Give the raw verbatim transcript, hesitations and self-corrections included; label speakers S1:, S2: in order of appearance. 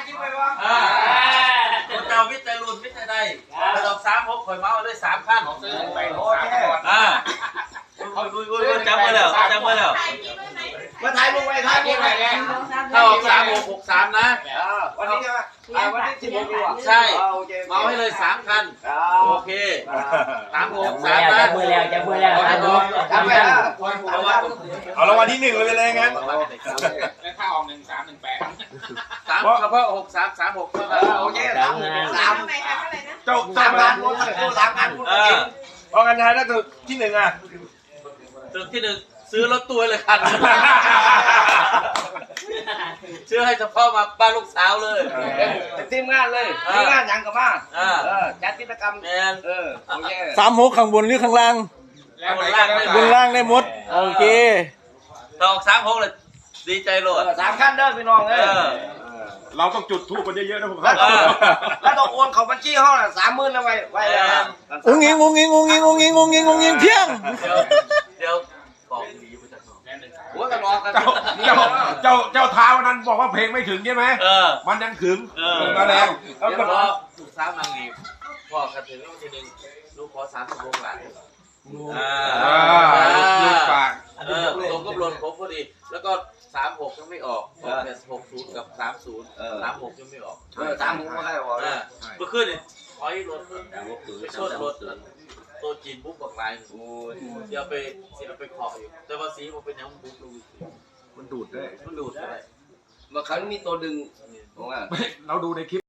S1: จิ้มไปวะ
S2: คนเจ้าวิทย์ใจรุ่นวิทย์ใจใดกระดอกสามหกข่อยเมาด้วยสามขั้น
S1: ไปโอเค
S2: อ่าจำมาแล้วจำมาแล้ว
S1: มาถ่ายลงไปถ่ายลงไปเลย
S2: ถ้าออกสามหกหกสามนะ
S1: วันนี้ใช่ไหมวันนี้ที่ผมดูอ่ะ
S2: ใช่เมาให้เลยสามคันโอเคสามหกสามนะ
S3: จับมือแล้วจับมือแล้วจับมือแล้ว
S1: ทำไปแล้ว
S4: เอารางวัลที่หนึ่งเลยไปเลยงั้น
S5: แล้วถ้าออกหนึ่งสามหนึ่งแปด
S2: สามเฉพาะหกสามสามหกเท่านั้น
S1: โอเคสามสาม
S4: เจ้า
S1: สามพันพูดสามพันพูด
S2: เอ
S1: จริ
S2: อง
S4: เพราะกันทายถ้าถูกที่หนึ่งอ่ะ
S2: ตึกที่หนึ่งซื้อรถตัวเลยคันซื้อให้เฉพาะมาบ้านลูกสาวเลย
S1: ทีมงานเลยทีมงานยังกับมาจัดกิจกรรม
S2: แมน
S1: เออโอเค
S6: สามหกข้างบนหรือข้างล่าง
S5: แล้วไหนก็ได้
S6: บนล่างได้หมด โอเค
S2: ตอกสามหกเลยดีใจโหลด
S1: สามขั้นเด้อพี่น้องเอ้ย
S4: เราต้องจุดทูบกันเยอะๆนะผม
S1: แล้วต้องแล้วต้องโอนเขาบัญชีห้องละสามหมื่นแล้วไว้ไว้แล้ว
S6: อุ้งอิงอุ้งอิงอุ้งอิงอุ้งอิงอุ้งอิงอุ้งอิงเพียง
S2: เดี๋ยวเดี๋ยวบอกดีไปจากน้อง
S1: หัวกันรอกัน
S4: เจ้าเจ้าเจ้าเจ้าท้าวันนั้นบอกว่าเพลงไม่ถึงใช่ไหม
S2: เออ
S4: มันยังถึง
S2: เออ
S4: มาแล้ว
S2: แล้วก็ถูกสามนางเอกพ่อกันถึงทีหนึ่งลูกขอสามสิบวงหลานอ่า
S4: ลูกปาก
S2: เออตรงก็บลนครบพอดี แล้วก็สามหกยังไม่ออกออกแต่หกศูนย์กับสามศูนย์สามหกยังไม่ออก
S1: เออสามหมื่นไม่ได้หรอก
S2: อ่าเมื่อคืนเนี่ยถอยรถไปชนรถตัวจีนบุ๊กบอกลายโอ้ยเดี๋ยวไปเสียไปขออยู่ แต่ว่าสีมันเป็นยังบุ๊กดู
S4: มันดูดด้วย
S2: มันดูดอะไร
S1: เมื่อครั้งมีตัวดึงผมว่า
S4: เราดูในคลิป